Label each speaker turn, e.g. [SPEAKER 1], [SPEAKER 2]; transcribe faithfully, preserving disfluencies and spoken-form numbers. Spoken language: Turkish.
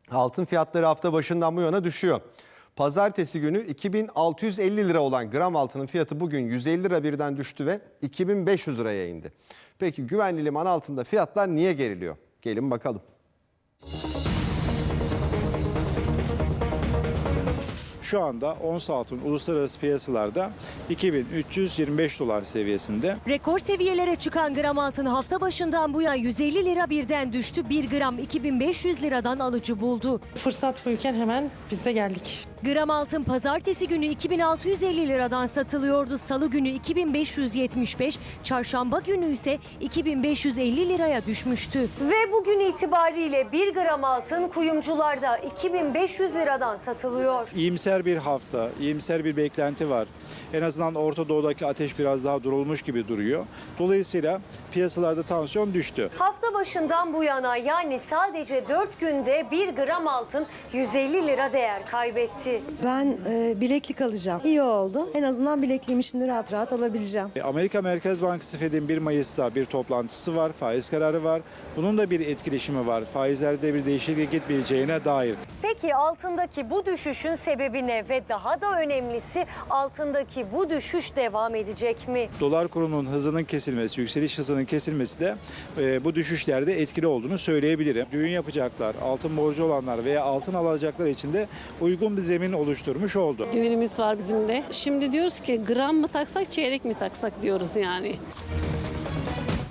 [SPEAKER 1] Altın fiyatları hafta başından bu yana düşüyor. Pazartesi günü iki bin altı yüz elli lira olan gram altının fiyatı bugün yüz elli lira birden düştü ve iki bin beş yüz liraya indi. Peki güvenli liman altında fiyatlar niye geriliyor? Gelin bakalım.
[SPEAKER 2] Şu anda ons altın uluslararası piyasalarda iki bin üç yüz yirmi beş dolar seviyesinde.
[SPEAKER 3] Rekor seviyelere çıkan gram altın hafta başından bu yana yüz elli lira birden düştü. bir gram iki bin beş yüz liradan alıcı buldu.
[SPEAKER 4] Fırsat buyken hemen biz de geldik.
[SPEAKER 3] Gram altın pazartesi günü iki bin altı yüz elli liradan satılıyordu. Salı günü iki bin beş yüz yetmiş beş, çarşamba günü ise iki bin beş yüz elli liraya düşmüştü. Ve bugün itibariyle bir gram altın kuyumcularda iki bin beş yüz liradan satılıyor.
[SPEAKER 2] İyimser bir hafta, iyimser bir beklenti var. En azından Orta Doğu'daki ateş biraz daha durulmuş gibi duruyor. Dolayısıyla piyasalarda tansiyon düştü.
[SPEAKER 3] Hafta başından bu yana yani sadece dört günde bir gram altın yüz elli lira değer kaybetti.
[SPEAKER 5] Ben e, bileklik alacağım. İyi oldu. En azından bilekliğimi şimdi rahat rahat alabileceğim.
[SPEAKER 2] Amerika Merkez Bankası Fed'in bir Mayıs'ta bir toplantısı var, faiz kararı var. Bunun da bir etkileşimi var. Faizlerde bir değişiklik gitmeyeceğine dair.
[SPEAKER 3] Peki altındaki bu düşüşün sebebi ne ve daha da önemlisi altındaki bu düşüş devam edecek mi?
[SPEAKER 2] Dolar kurunun hızının kesilmesi, yükseliş hızının kesilmesi de e, bu düşüşlerde etkili olduğunu söyleyebilirim. Düğün yapacaklar, altın borcu olanlar veya altın alacaklar için de uygun bir zemin oluşturmuş oldu.
[SPEAKER 6] Düğünümüz var bizim de. Şimdi diyoruz ki gram mı taksak, çeyrek mi taksak diyoruz yani.